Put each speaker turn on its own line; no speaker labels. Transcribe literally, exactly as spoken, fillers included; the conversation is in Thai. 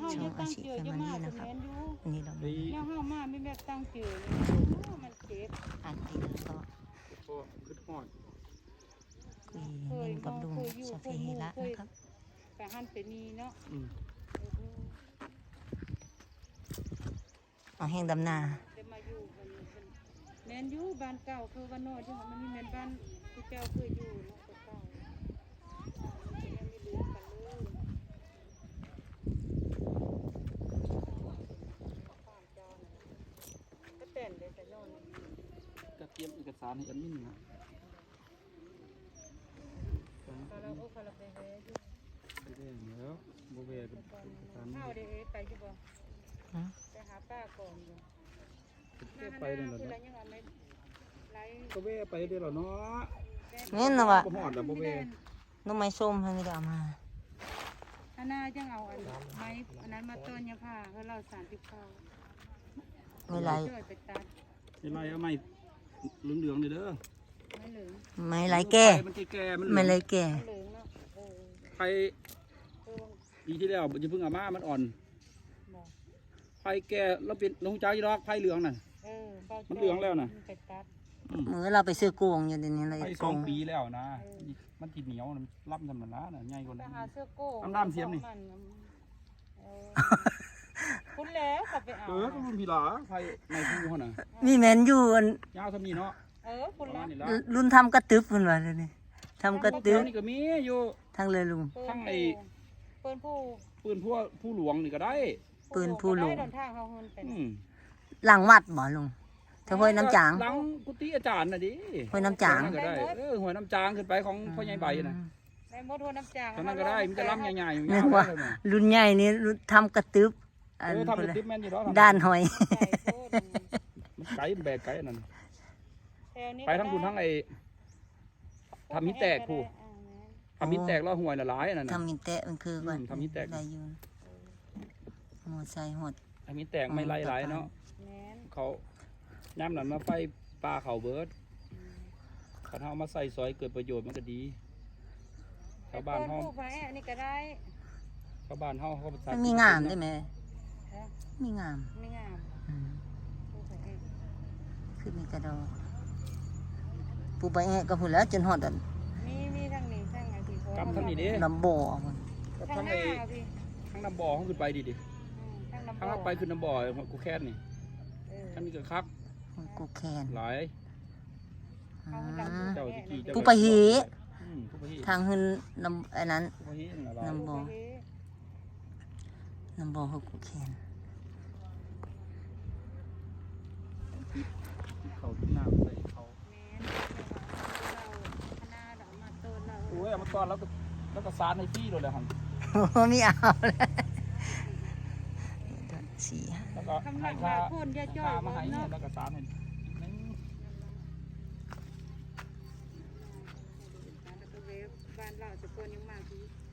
ช่องอาชีพแฟมิลี่นะครับนี่เราดู
แล้วเฮามาไม่แบบตั้งเจอเลยมันเจ็บ
อ่านติดแล้วก็
ก็ขึ้นหอด
คุยเล่นกับลุงสเปเฮระนะครับ
ไปหันไปนี่เนาะ
อืม
เอาแห้งดำนา
จะมาอยู่มันแม่นอยู่บ้านเก่าคือบ้านนอกที่มันมีแม่นบ้านที่เจ้าเคยอยู่เนาะเก่ายังไม่ลืมกันเลยก็เต้นเลยแต่นอน
ก็เตรียมเอกสารให้แอดมินนะ
คาราโอคาราเบเฮอยู่
ไปได้แล้วโบเวเอกสาร
ข้าวเด้ไปอยู่บ่ไปหาป้าก่อนอยู่
เก็บไปเลยเหรอ
คือ
เนาะ
อะไรยังไม่ไร
โบเวไปได้เหรอเนาะ
นี่นะวะ
บ่หอดแล้วโบเว
น้องไม้ส้มให้ไม่ได้เอามา
อันน่าจังเอาอันไม้อันนั้นมาต้นยาผ้าเขาเราสารติดข้าว
ไม่ไร
ช่วยไปตัด
ไม่ไรเอาไม่เหลืองๆเลยเด้อ
ไม่เหลือง
ไม่ไรแก่
มันแก่ๆมัน
ไม่ไรแก่
ไม่เหลืองเนาะเออ
ไฟปีที่แล้วจะเพิ่งเอามามันอ่อน
บอก
ไฟแก่เราเป็นลงจ้ายีรอกไฟเหลืองน่ะ
เออ
มันเหลืองแล้วน่ะ
ไปตัด
เมื่อเราไปซื้อโกงอยู่เดี๋ยวนี้เลย
ไฟ
โก
สอง
ง
ปีแล้วนะมันติดเหนียวมันรับทำมันนะน่ะใหญ่กว่า
ไป
นั้น
หาเสื้อโก้
น้ำน้ำเสียมนี่
เออคุณแล้วขับไปเอา
เออก็รุ่นพี่หลาไฟในผู้เขาน่ะ
มีแมนอยู่อัน
ยาวสมีเนาะ
เออคุณแล้ว
นี่ละ
รุ่นทำกระตึบเพิ่นว่าเดี๋ยวนี้ทำกระตึบ
นี่ก็มีอยู่
ทั้งเลยลุง
ทั้งไอ้
เปิ้นผู้
ปืนผู้ผู้หลวงนี่ก็ได้
ปืนผู้หลวง
ได้เดินทางเขาเฮินไป
อืม
หลังวัดบ่ลุงเธอห้วยน้ำจาง
หลังกุฏิอาจารย์น่ะดิ
ห้วยน้ำจาง
ก็ได้เออหัวยน้ำจางขึ้นไปของพ่อใหญ่ใบน่ะ
ได้หมดหัวน้ำจาง
เท่านั้นก็ได้มันจะล้ำใหญ่ๆอยู่
นึ
ยาก ว
ว่า
เลยน่ะ
รุ่นใหญ่นี่รุ่นทำกระตึบ
เอ
อัน
อทำ
พุ่น
เป็น
เลย
ติ๊บแม่นอยู่แล้ว
ด้านหอย
มันไกลมันแบกไกลอันนั้น
ไป
ไปทั้งคุณทั้งไอ้ทำมิตรแตกผู้ทำมิตรแตกแล้วห่วยละหลายอันนั้นน่ะ
ทำมินเตะมันคือว่า
อืมทำมินแตก
ได้อยู่หมดใส่หด
ทำมิตรแตกไม่ไล่หลายเนาะ
แม่น
เขาย่ำนั้นมาไฟปลาเขาเบิร์ดเขาเอามาใส่ซอยเกิดประโยชน์มันก็ดีชาวบ้าน
เปิ้
เฮา
ผู้ไปอันนี้ก็ได้
ชาวบ้านเฮาเขา
มันมีงามได้ไหม
ฮะ
มีงาม
ไม่งาม
อืม
ผู้ไปเอง
คือมีกระดอกปูไปแอะก็พูดแล้วจนหอดอัน
มีมีทั้งนี้ทั้งไอ้ที่
กำทั้งนี้ดิ
ลำบ่อมัน
กับ
ทั้
ทั้
ง
ง
ห
ไอ้
น้าพี่
ทั้งน้ำบ่อเขาขึ้นไปดิดิ
อืมทั้งน้ำ
ทั้งเอาไปขึ้นน้ำบ่อกูแค่นี่
เออ
ทั้งนี้ก็คัก
กูแคน
หลาย
อืม
เจ้าตะกี้เจ้า
ผู้ไปหี
อืมผู้ไปหี
ทางหึนลำอันนั้น
ผู้ไปหีนั่นล่ะ
น้ำบ่อ
ผู้ไปเฮ็ด
ลำบ่อเขากูแคน
เขาที่น้ำใส่เขา
แม่นเราคณะเรามาต้นเรา
โอ้ยเอามาตอนแล้วก็แล้วก็สารในที่โดนเลยหัน
โอ้ไม่เอาเลยสี่
แล้วก็
คำ
ให้
นัก
ค่า
ว่าคนอย่าจ้อย
ค่ามาให้
เนาะ
แล้วก็สารให้นิดนึง
แล้วก็เวฟบ้านเราจะคนยังมากที่